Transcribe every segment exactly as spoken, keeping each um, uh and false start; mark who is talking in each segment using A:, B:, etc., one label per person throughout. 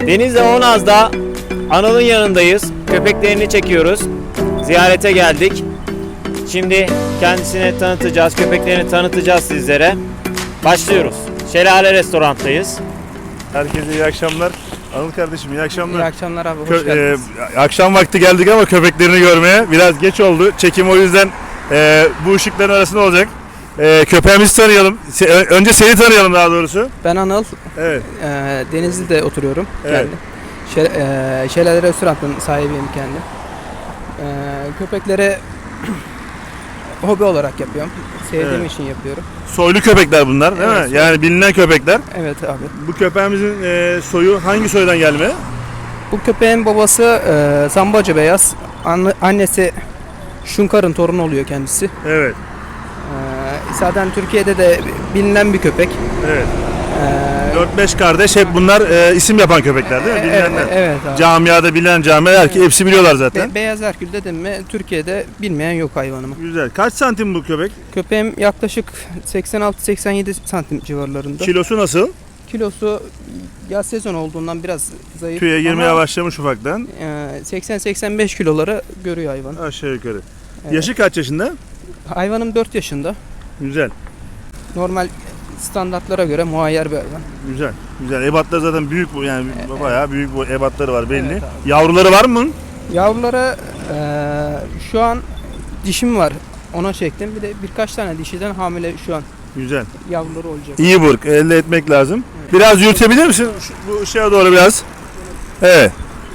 A: Denizli Onaz'da Anıl'ın yanındayız. Köpeklerini çekiyoruz. Ziyarete geldik. Şimdi kendisini tanıtacağız, köpeklerini tanıtacağız sizlere. Başlıyoruz. Şelale Restorant'tayız.
B: Herkese iyi akşamlar. Anıl kardeşim iyi akşamlar.
C: İyi akşamlar abi, hoş
B: Kö-
C: geldiniz.
B: e, akşam vakti geldik ama köpeklerini görmeye biraz geç oldu. Çekim o yüzden e, bu ışıkların arasında olacak. E, köpeğimizi tanıyalım. Se- önce seni tanıyalım daha doğrusu.
C: Ben Anıl,
B: Evet.
C: e, Denizli'de oturuyorum
B: Evet.
C: kendim. Şe- e, Şelale Restorant'ın sahibiyim kendim. E, köpekleri hobi olarak yapıyorum. Sevdiğim
B: Evet.
C: için yapıyorum.
B: Soylu köpekler bunlar değil
C: Evet,
B: mi?
C: soylu.
B: Yani bilinen köpekler.
C: Evet abi.
B: Bu köpeğimizin e, soyu hangi soydan gelme?
C: Bu köpeğin babası e, Zambacı Beyaz. Anne- annesi Şunkar'ın torunu oluyor kendisi.
B: Evet.
C: E, zaten Türkiye'de de bilinen bir köpek.
B: Evet.
C: E,
B: dört beş kardeş hep bunlar e, isim yapan köpekler değil mi?
C: e-
B: Bilinenler.
C: evet, evet abi.
B: Camiada bilinen camialar ki hepsi biliyorlar zaten.
C: Be- Beyaz Herkül dedim mi Türkiye'de bilmeyen yok hayvanımı.
B: Güzel. Kaç santim bu köpek?
C: Köpeğim yaklaşık seksen altı seksen yedi santim civarlarında.
B: Kilosu nasıl?
C: Kilosu yaz sezon olduğundan biraz zayıf.
B: Tüye girmeye
C: ama,
B: başlamış ufaktan.
C: e, seksen seksen beş kiloları görüyor hayvan.
B: Aşağı yukarı.
C: Evet.
B: Yaşı kaç yaşında?
C: Hayvanım dört yaşında.
B: Güzel.
C: Normal standartlara göre muayyer bir hayvan.
B: Güzel. Güzel. Ebatlar zaten büyük bu yani bayağı büyük bu ebatları var belli.
C: Evet abi.
B: Yavruları var mı?
C: Yavruları e, şu an dişim var. Ona çektim. Bir de birkaç tane dişiden hamile şu an
B: Güzel.
C: yavruları olacak.
B: İyi burk. Elde etmek lazım. Biraz yürütebilir misin? Şu, bu ışığa doğru biraz. Evet.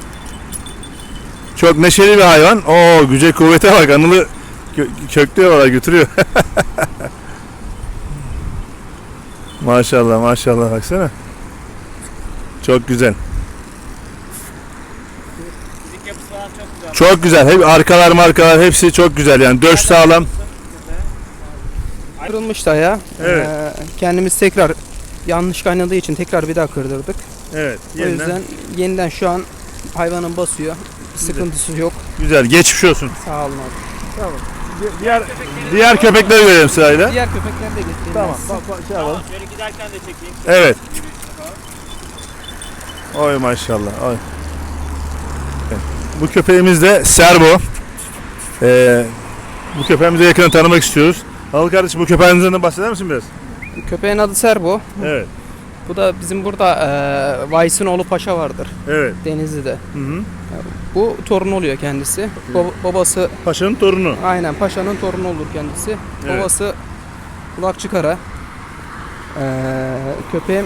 B: Çok neşeli bir hayvan. Oo güce kuvvete bak. Anılı kö- köklüyor valla götürüyor. Maşallah maşallah baksana. Çok güzel.
A: Fizik yapısı falan çok güzel.
B: Çok güzel. Hep arkalar markalar hepsi çok güzel yani. Döş sağlam.
C: Kırılmıştı ayağı.
B: Evet.
C: E, kendimiz tekrar yanlış kaynadığı için tekrar bir daha kırdırdık.
B: Evet.
C: O
B: Yeniden.
C: yüzden yeniden şu an hayvanın basıyor. Bir sıkıntısı yok.
B: Güzel. Geçmiş olsun.
C: Sağ olun abi.
B: Diğer diğer köpekleri görelim sırayla.
C: Diğer köpekler de getireyim.
B: Tamam.
C: ben size.
B: Bak, bak, şey yapalım.
A: Şöyle giderken de çekeyim.
B: Evet. Oy maşallah. Oy. Evet. Bu köpeğimiz de Serbo. Ee, bu köpeğimizi yakından tanımak istiyoruz. Anıl kardeşim bu köpeğinizden de bahseder misin biraz?
C: Köpeğin adı Serbo.
B: Evet.
C: Bu da bizim burada e, Vays'ın oğlu Paşa vardır.
B: Evet.
C: Denizli'de.
B: Hı hı.
C: Bu torun oluyor kendisi. Baba- babası
B: Paşa'nın torunu.
C: aynen Paşa'nın torunu olur kendisi.
B: Evet.
C: Babası kulakçı kara. E, köpeğim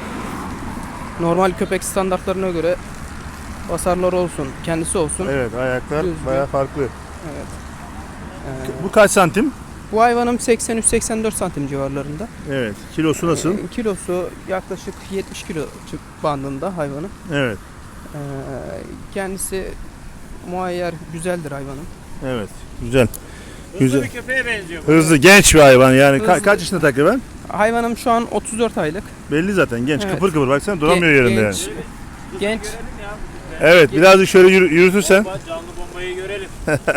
C: normal köpek standartlarına göre basarlar olsun, kendisi olsun.
B: Evet ayaklar
C: Düzgün.
B: bayağı farklı.
C: Evet. E,
B: Bu kaç santim?
C: bu hayvanım seksen üç seksen dört santim civarlarında.
B: Evet. Kilosu nasıl?
C: E, kilosu yaklaşık yetmiş kilo bandında hayvanın.
B: Evet.
C: Ee, kendisi muayyer, güzeldir hayvanın.
B: Evet. Güzel.
A: Hızlı
B: Güzel.
A: bir köpeğe benziyor. bu.
B: Hızlı genç bir hayvan yani. Ka-
C: Hızlı.
B: kaç yaşında takriben?
C: Hayvanım şu an otuz dört aylık.
B: Belli zaten genç.
C: Evet.
B: Kıpır kıpır baksana duramıyor
C: Gen-
B: yerinde
C: genç,
B: yani.
C: Genç.
A: Görelim ya.
B: Evet birazcık şöyle yürü- yürütürsen.
A: Bomba, canlı bombayı görelim.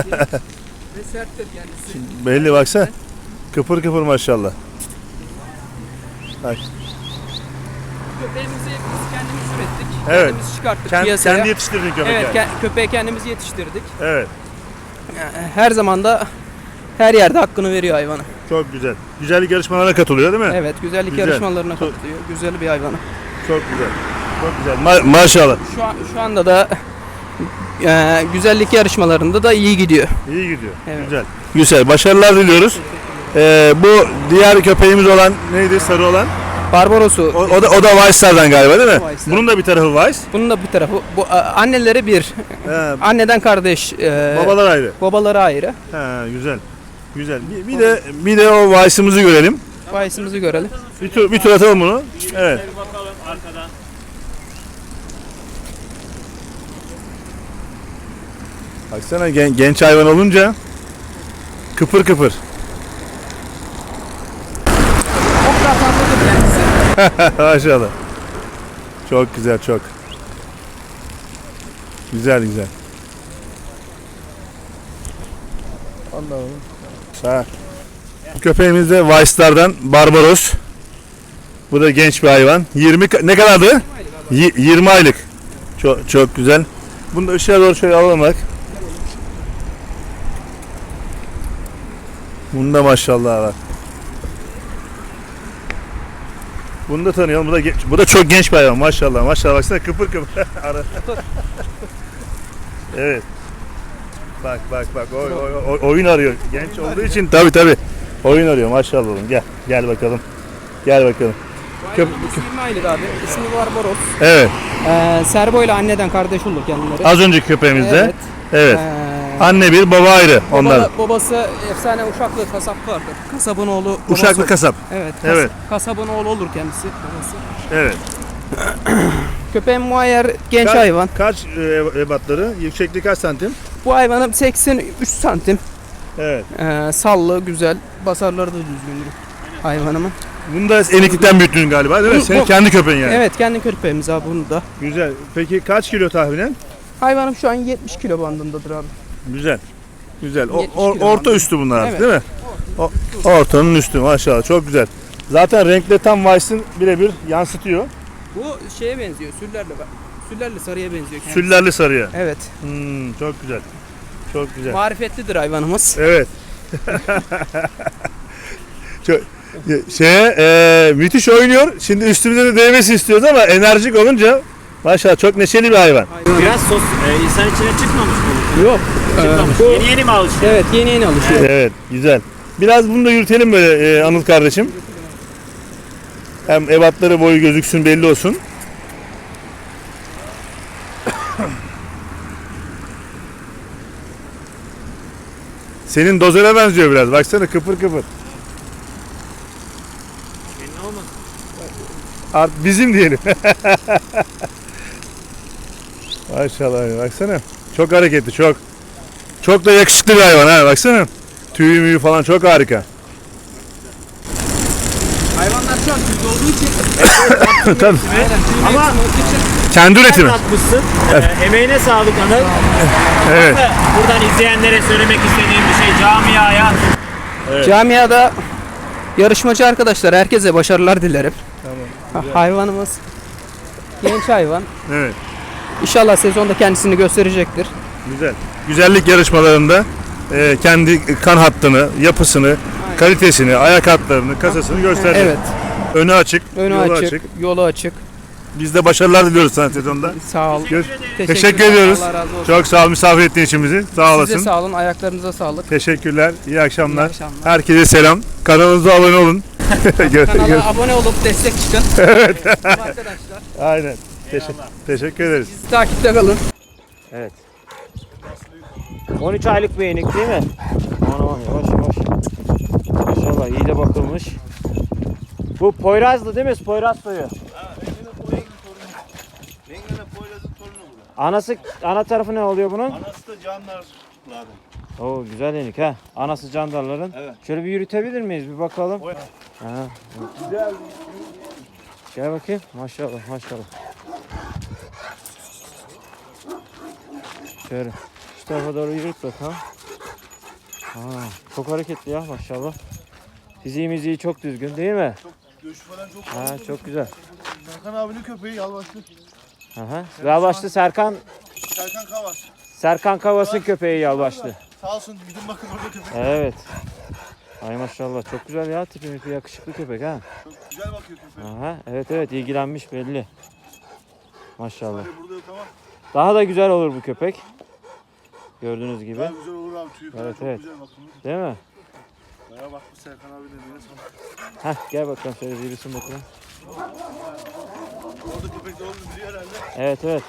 C: Ve serttir kendisi.
B: Belli baksana. Kıpır kıpır maşallah. Bak.
C: Köpeğimizi biz kendimiz ürettik.
B: Evet.
C: Kendimiz çıkarttık
B: Kend,
C: piyasaya.
B: kendi yetiştirdin köpek
C: Evet,
B: yani.
C: ke- köpeği kendimiz yetiştirdik.
B: Evet.
C: Yani her zaman da her yerde hakkını veriyor hayvanı.
B: Çok güzel. Güzellik yarışmalarına katılıyor değil mi?
C: Evet, güzellik
B: Güzel.
C: yarışmalarına
B: Çok-
C: katılıyor. Güzel bir hayvanı.
B: Çok güzel. Çok güzel. Ma- maşallah.
C: Şu an şu anda da e, güzellik yarışmalarında da iyi gidiyor.
B: İyi gidiyor.
C: Evet.
B: Güzel. Güzel. Başarılar diliyoruz. Ee, bu diğer köpeğimiz olan neydi? Sarı olan.
C: Barbaros'u
B: O, o da o da Weiss'lardan galiba değil mi?
C: Weiss'lar.
B: Bunun da bir tarafı Weiss.
C: bunun da bir tarafı. Bu a, anneleri bir.
B: He,
C: Anneden kardeş. e,
B: babalar ayrı.
C: Babaları ayrı.
B: He, güzel. Güzel. Bir, bir de bir de o Weiss'ımızı görelim.
C: Bayisimizi görelim.
B: Bir tur bir tur atalım bunu. Evet.
A: Bir bakalım arkadan.
B: Baksana gen- genç hayvan olunca kıpır kıpır.
C: Çok daha fazladır kendisi.
B: Maşallah. Çok güzel çok. Güzel güzel. Allah'ım. Sağ. Bu köpeğimiz de Weiss'lardan Barbaros. Bu da genç bir hayvan. yirmi ka- ne kadardı? Y- yirmi aylık. Çok, çok güzel. Bunu da ışığa doğru şöyle alalım bak. Bunda maşallah var. Bunu da tanıyalım. Bu da, genç- bu da çok genç bir hayvan maşallah. Maşallah baksana kıpır kıpır. Ara- evet. Bak bak bak oy, oy, oy- oyun arıyor. Genç olduğu için tabi tabi. Oyun arıyor maşallah oğlum. Gel gel bakalım. Gel bakalım. Köp-
C: İsmi aylık abi. İsmi Barbaros.
B: Evet.
C: Ee, Serbo ile anneden kardeş olur kendileri.
B: Az önceki köpeğimizde.
C: Evet.
B: Evet.
C: Ee,
B: Anne bir baba ayrı.
C: baba-
B: Onlar.
C: babası efsane Uşaklı kasap vardır. Kasabın oğlu. babası-
B: Uşaklı kasap.
C: Evet. kas-
B: Evet.
C: Kasabın oğlu olur kendisi. Babası.
B: Evet.
C: Köpeğin muayyer genç
B: Kaç-
C: hayvan.
B: Kaç e, ebatları? Yüksekliği kaç santim?
C: Bu hayvanım seksen üç santim.
B: Evet.
C: Ee, sallı, güzel. Basarları da düzgündür hayvanımın.
B: Bunu da eniklikten büyüttün galiba değil mi?
C: Bu-
B: Senin
C: bu-
B: kendi köpeğin yani.
C: Evet, kendi köpeğimiz abi bunu da.
B: Güzel. Peki kaç kilo tahminen?
C: Hayvanım şu an yetmiş kilo bandındadır abi.
B: Güzel. Güzel. O,
C: yetmiş
B: or-
C: kilo
B: orta
C: falan.
B: üstü bunlar artık
C: Evet.
B: değil mi? O, ortanın üstü maşallah çok güzel. Zaten renkle tam Weiss'in birebir yansıtıyor.
C: Bu şeye benziyor, süllerle. Süllerle sarıya benziyor kendisi.
B: Süllerli sarıya.
C: Evet.
B: Hmm, çok güzel. Çok güzel.
C: Marifetlidir hayvanımız.
B: Evet. çok, şeye, e, müthiş oynuyor. Şimdi üstümüze de değmesi istiyoruz ama enerjik olunca maşallah çok neşeli bir hayvan.
A: Biraz sos, e, insan içine çıkmamış bu.
C: Yok.
A: Çıkmamış.
C: bu-
A: Yeni yeni mi alışıyor?
C: Evet, yeni yeni alışıyor.
B: Evet, güzel. Biraz bunu da yürütelim böyle e, Anıl kardeşim. Hem ebatları boyu gözüksün belli olsun. Senin dozere benziyor biraz. Baksana kıpır kıpır.
A: Senin olmasın.
B: Art bizim diyelim. Maşallah baksana. Çok hareketli çok. Çok da yakışıklı bir hayvan ha baksana. Tüyü müyü falan çok harika.
C: Hayvanlar şu an tüylü olduğu için.
B: Tabii.
C: Aynen, tüylü
A: Ama-
C: Ama... olduğu için.
B: Kendi
A: Sen
B: üretimi.
A: atmışsın. E, emeğine sağlık Anıl.
B: Evet.
A: Buradan izleyenlere söylemek istediğim bir şey camiaya.
B: Evet.
C: Camiada yarışmacı arkadaşlar herkese başarılar dilerim.
B: Tamam.
C: Ha, hayvanımız genç hayvan.
B: Evet.
C: İnşallah sezonda kendisini gösterecektir.
B: Güzel. Güzellik yarışmalarında e, kendi kan hattını, yapısını, kalitesini, ayak hatlarını, kasasını gösterecek.
C: Evet.
B: Önü açık,
C: Önü
B: yolu
C: açık,
B: açık.
C: yolu açık.
B: Biz de başarılar diliyoruz sana sezonda.
C: Sağ ol.
B: Gör-
C: Teşekkürler.
B: Teşekkür ediyoruz.
C: Allah razı olsun.
B: Çok sağ ol misafir ettiğin için bizi. Sağ olasın.
C: Size sağ olun. Ayaklarınıza sağlık.
B: Teşekkürler. İyi akşamlar.
C: İyi akşamlar.
B: Herkese selam. Kanalımıza abone olun. Gör- gör-
C: Kanala abone olup destek çıkın. Evet. Arkadaşlar.
B: Aynen. Teşekkür, teşekkür ederiz.
C: Takipte kalın.
A: Evet. on üç aylık bir yenik değil mi? Aman aman yavaş yavaş. Maşallah iyi de bakılmış. Bu Poyraz'dı değil mi? Poyraz soyu. Anası, ana tarafı ne oluyor bunun?
D: Anası da canlarlardan.
A: Oo güzel yenik ha. Anası candarların.
D: Evet.
A: Şöyle bir yürütebilir miyiz? Bir bakalım.
D: Oy.
A: Ha. Güzel. Gel bakayım. Maşallah maşallah. Şöyle. Şu tarafa doğru yürüt bakalım. Ha, çok hareketli ya maşallah. Fiziği miziği çok düzgün değil mi?
D: Göçü falan çok
A: Ha
D: fazla.
A: çok güzel.
D: Serkan abinin köpeği yalvaçlı.
A: Aha. Yalvaçlı Serkan
D: Serkan Kavas.
A: Serkan Kavas'ın köpeği Yalvaçlı.
D: Sağ olsun gidin bakın orada köpek.
A: Evet. Ay maşallah çok güzel ya tipi mipi yakışıklı köpek ha.
D: Çok güzel bakıyor köpeğe.
A: Aha. Evet evet ilgilenmiş belli. Maşallah.
D: Hani burada yok ama
A: Daha da güzel olur bu köpek. Gördüğünüz gibi.
D: daha güzel olur abi tüyü falan
A: Evet,
D: çok
A: evet.
D: güzel bakımlı.
A: Değil mi?
D: Baya bakmış Serkan abinin emeğine sonra.
A: Heh gel bakalım şöyle bir yürüsün bakalım.
D: Orada köpek de olduğunu biliyor herhalde.
A: Evet evet.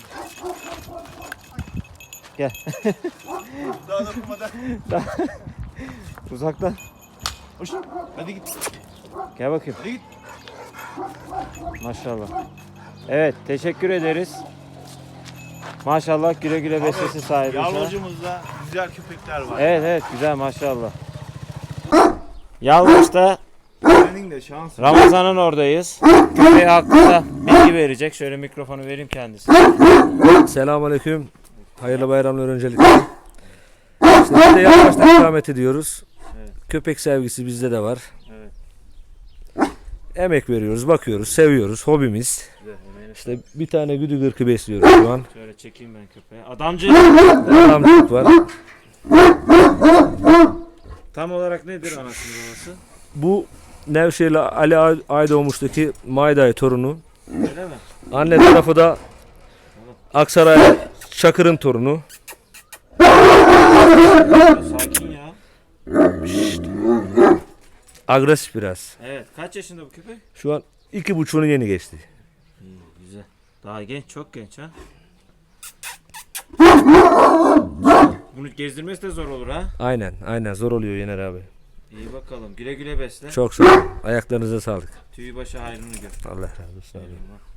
A: Gel.
D: Daha da kurmadan.
A: Uzaktan.
D: Hoş. Hadi git.
A: Gel bakayım.
D: Hadi git.
A: Maşallah. Evet teşekkür ederiz. Maşallah güle güle beslesin sahibi.
D: Yalvacımızda güzel köpekler var.
A: Evet evet güzel maşallah. Yalvaç'ta
D: Senin de şans.
A: Ramazan'ın oradayız. Köpeği hakkında bilgi verecek. Şöyle mikrofonu vereyim kendisine.
E: Selamünaleyküm. Hayırlı bayramlar öncelikle. İşte biz de yaklaştık ikamet ediyoruz.
A: Evet.
E: Köpek sevgisi bizde de var.
A: Evet.
E: Emek veriyoruz, bakıyoruz, seviyoruz. Hobimiz.
A: Güzel, emeğine
E: İşte bir tane güdü gırkı besliyoruz şu an.
A: Şöyle çekeyim ben köpeği. Adamcı.
E: Adamcık var.
A: Tam olarak nedir anasının babası?
E: Bu Nevşehirli Ali Ay- Aydoğmuş'taki Mayday torunu.
A: Öyle mi?
E: Anne tarafı da Aksaray Çakır'ın torunu.
A: Sakin ya.
E: Agresif biraz.
A: Evet. Kaç yaşında bu köpek?
E: Şu an iki buçuğunu yeni geçti.
A: İyi, güzel. Daha genç, çok genç ha. Bunu gezdirmesi de zor olur ha.
E: Aynen aynen zor oluyor Yener abi.
A: İyi bakalım. Güle güle besle.
E: Çok sağ olun. Ayaklarınıza sağlık.
A: Tüyü başı hayrını gör.
E: Allah razı olsun.
A: Eyvallah.